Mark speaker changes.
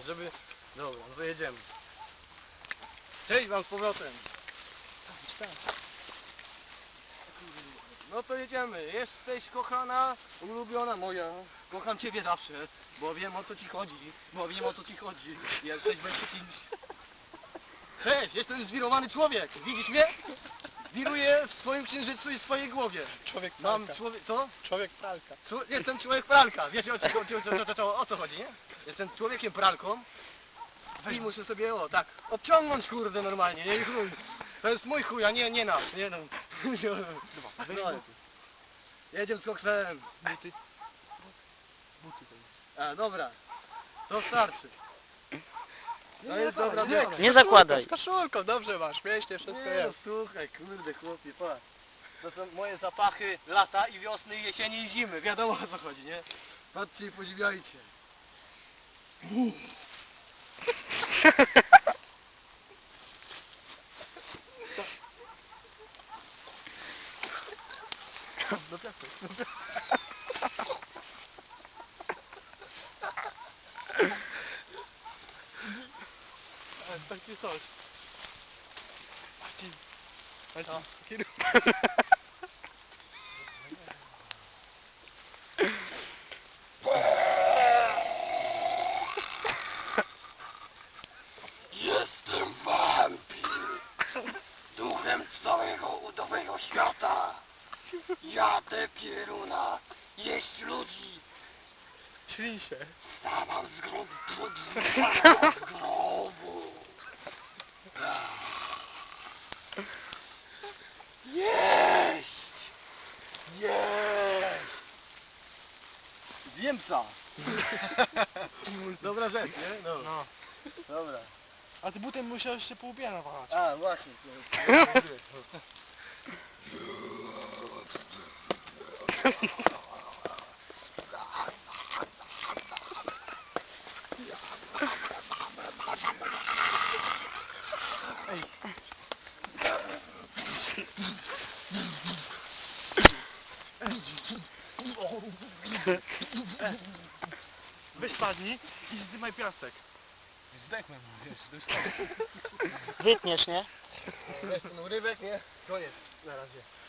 Speaker 1: żeby... Dobra, no to jedziemy. Cześć wam z powrotem. No to jedziemy. Jesteś kochana, ulubiona moja. Kocham ciebie zawsze, bo wiem o co ci chodzi. Jesteś bez kimś. Cześć, jestem zwirowany człowiek. Widzisz mnie? Wiruję w swoim księżycu i w swojej głowie.
Speaker 2: Człowiek
Speaker 1: Mam
Speaker 2: pralka.
Speaker 1: Co?
Speaker 2: Człowiek pralka.
Speaker 1: Jestem człowiek pralka. Wiecie o co chodzi, nie? Jestem człowiekiem pralką i muszę sobie tak odciągnąć kurde normalnie, nie chuj. To jest mój chuj, a nie nasz, nie no. No, jedziemy z koksem.
Speaker 2: Buty. Buty to
Speaker 1: A dobra, to starczy. To jest dobra rzecz.
Speaker 3: Nie zakładaj.
Speaker 2: Z koszulką, dobrze masz, mięśnie, wszystko
Speaker 1: Nie no,
Speaker 2: jest.
Speaker 1: słuchaj, kurde chłopie, patrz. To są moje zapachy lata i wiosny, i jesieni i zimy. Wiadomo o co chodzi, nie? Patrzcie i podziwiajcie.
Speaker 2: Do piachu. Ale taki coś. Marcin. Marcin, kieruj.
Speaker 4: Jestem wampir, duchem całego udowego świata. Jadę pieruna, jeść ludzi.
Speaker 2: Ślij się.
Speaker 4: Wstawam z grobu, z grobu. Jeść! Jeść!
Speaker 1: Zjem psa. Dobra rzecz, nie? No.
Speaker 2: No.
Speaker 1: Dobra.
Speaker 2: A ty butem musiałeś się po łbie nawalać.
Speaker 1: A, właśnie.
Speaker 2: Weź padnij i zdymaj piasek. Zdechnę, wiesz, to jest
Speaker 3: Wytniesz, nie?
Speaker 1: Weź ten urywek, nie? Koniec. Na razie.